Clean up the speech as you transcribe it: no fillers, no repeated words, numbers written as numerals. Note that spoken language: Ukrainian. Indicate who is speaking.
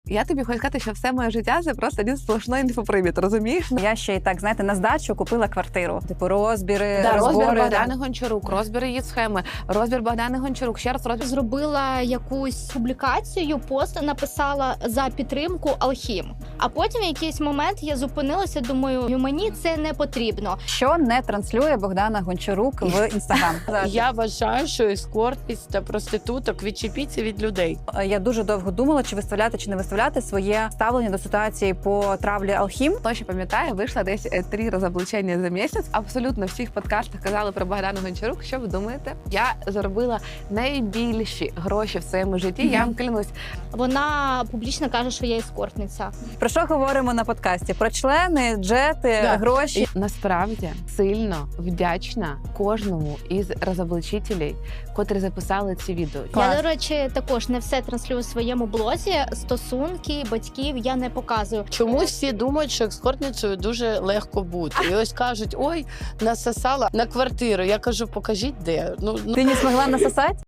Speaker 1: Я тобі хочу сказати, що все моє життя це просто один сплошний інфопривід, розумієш?
Speaker 2: Я ще й так, знаєте, на здачу купила квартиру. Типу розбіри,
Speaker 1: Да, розбір
Speaker 2: розбори.
Speaker 1: Богдани Гончарук, розбір її схеми, розбір Богдани Гончарук, ще раз розбір.
Speaker 3: Зробила якусь публікацію, пост написала за підтримку Алхім. А потім в якийсь момент я зупинилася, думаю, мені це не потрібно.
Speaker 2: Що не транслює Богдана Гончарук в Інстаграм?
Speaker 4: Я вважаю, що ескортність та проституток відчепіться від людей.
Speaker 2: Я дуже довго думала, чи виставляти, чи не виставляти своє ставлення до ситуації по травлі Алхім.
Speaker 1: Точно пам'ятаю, вийшла десь 3 розоблачення за місяць. Абсолютно в всіх подкастах казали про Богдану Гончарук. Що ви думаєте? Я заробила найбільші гроші в своєму житті. Я вам клянусь.
Speaker 3: Вона публічно каже, що я ескортниця.
Speaker 2: Про що говоримо на подкасті? Про члени, джети, гроші.
Speaker 1: І насправді сильно вдячна кожному із розоблачителів, котрі записали ці відео.
Speaker 3: Я, до речі, також не все транслюю у своєму блозі. Стосунки батьків я не показую.
Speaker 4: Чомусь всі думають, що ескортницею дуже легко бути. І ось кажуть, ой, насосала на квартиру. Я кажу, покажіть де.
Speaker 2: Ти не змогла насосати?